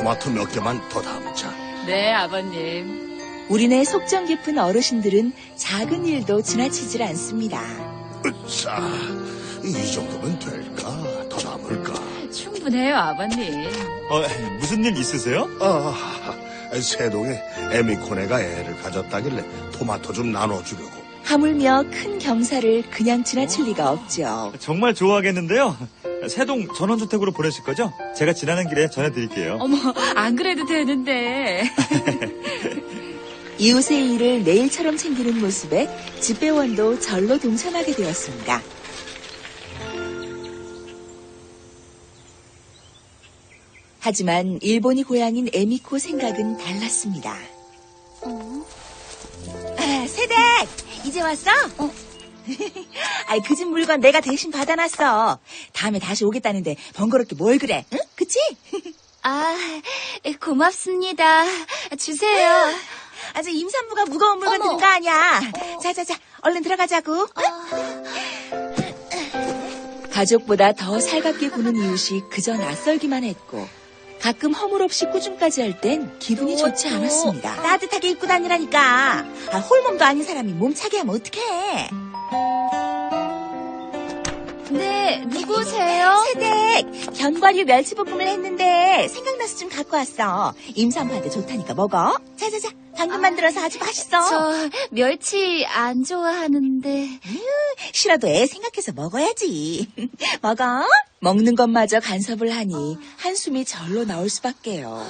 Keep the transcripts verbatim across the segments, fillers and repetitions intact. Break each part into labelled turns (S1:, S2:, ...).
S1: 토마토 몇 개만 더 담자.
S2: 네, 아버님.
S3: 우리네 속정 깊은 어르신들은 작은 일도 지나치질 않습니다.
S1: 으쌰, 이 정도면 될까? 더 담을까?
S2: 충분해요, 아버님.
S4: 어, 무슨 일 있으세요?
S1: 아, 세동에 에미코네가 애를 가졌다길래 토마토 좀 나눠주려고.
S3: 하물며 큰 경사를 그냥 지나칠 리가 없죠.
S4: 정말 좋아하겠는데요. 세동 전원주택으로 보내실 거죠? 제가 지나는 길에 전해드릴게요.
S2: 어머, 안 그래도 되는데.
S3: 이웃의 일을 내일처럼 챙기는 모습에 집배원도 절로 동참하게 되었습니다. 하지만 일본이 고향인 에미코 생각은 달랐습니다.
S5: 어?
S3: 아, 세댁! 이제 왔어? 어. 아이, 그 집 물건 내가 대신 받아놨어. 다음에 다시 오겠다는데 번거롭게 뭘 그래? 응? 그치?
S5: 아, 고맙습니다. 주세요.
S3: 아주 임산부가 무거운 물건
S5: 어머.
S3: 드는 거 아니야. 자자자, 얼른 들어가자고. 응? 가족보다 더 살갑게 구는 이웃이 그저 낯설기만 했고 가끔 허물없이 꾸중까지 할 땐 기분이 좋지 않았습니다. 따뜻하게 입고 다니라니까. 아, 홀몸도 아닌 사람이 몸차게 하면 어떡해.
S5: 네, 누구세요?
S3: 세댁, 견과류 멸치볶음을 했는데 생각나서 좀 갖고 왔어. 임산부한테 좋다니까 먹어. 자자자, 방금 만들어서 아주 맛있어.
S5: 저 멸치 안 좋아하는데.
S3: 싫어도 애 생각해서 먹어야지. 먹어. 먹는 것마저 간섭을 하니 한숨이 절로 나올 수밖에요.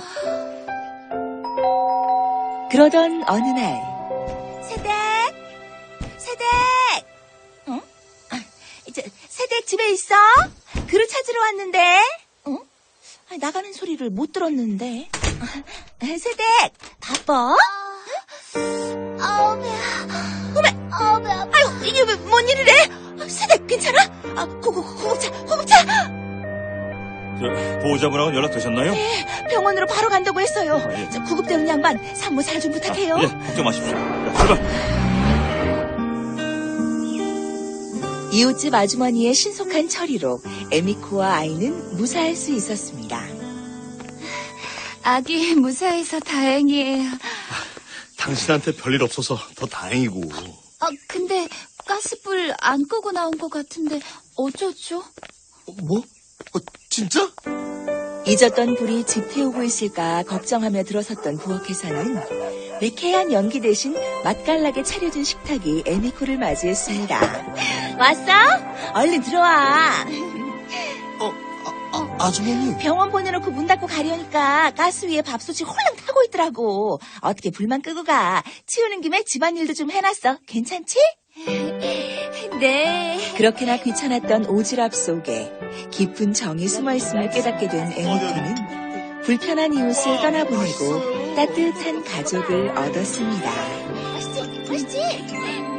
S3: 그러던 어느 날 세댁! 세댁! 어? 아, 이제 세댁 집에 있어? 그릇 찾으러 왔는데. 어? 아, 나가는 소리를 못 들었는데. 아, 세댁! 바빠?
S5: 아우, 배야.
S3: 어메!
S5: 아우, 배 아파.
S3: 아유, 이게 왜, 뭔 일이래? 아, 세댁 괜찮아? 아, 고, 고, 고급차, 고급차!
S4: 저, 보호자분하고는 연락되셨나요?
S3: 병원으로 바로 간다고 했어요.
S4: 아, 예.
S3: 저 구급대원 양반, 산모 잘 좀 부탁해요.
S4: 예, 걱정 마십시오. 자, 출발!
S3: 이웃집 아주머니의 신속한 처리로 에미코와 아이는 무사할 수 있었습니다.
S5: 아기 무사해서 다행이에요.
S1: 당신한테 별일 없어서 더 다행이고.
S5: 아, 근데 가스불 안 끄고 나온 것 같은데 어쩌죠?
S1: 어, 뭐? 어, 진짜?
S3: 잊었던 불이 집 태우고 있을까 걱정하며 들어섰던 부엌에서는 매캐한 연기 대신 맛깔나게 차려진 식탁이 에미코를 맞이했습니다. 왔어? 얼른 들어와.
S1: 어, 아, 아, 아주머니.
S3: 병원 보내놓고 문 닫고 가려니까 가스 위에 밥솥이 홀랑 타고 있더라고. 어떻게 불만 끄고 가. 치우는 김에 집안일도 좀 해놨어. 괜찮지?
S5: 네.
S3: 그렇게나 귀찮았던 오지랖 속에 깊은 정이 숨어있음을 깨닫게 된 에미코는 불편한 이웃을 떠나보내고 따뜻한 가족을 얻었습니다.
S5: 맛있지? 맛있지?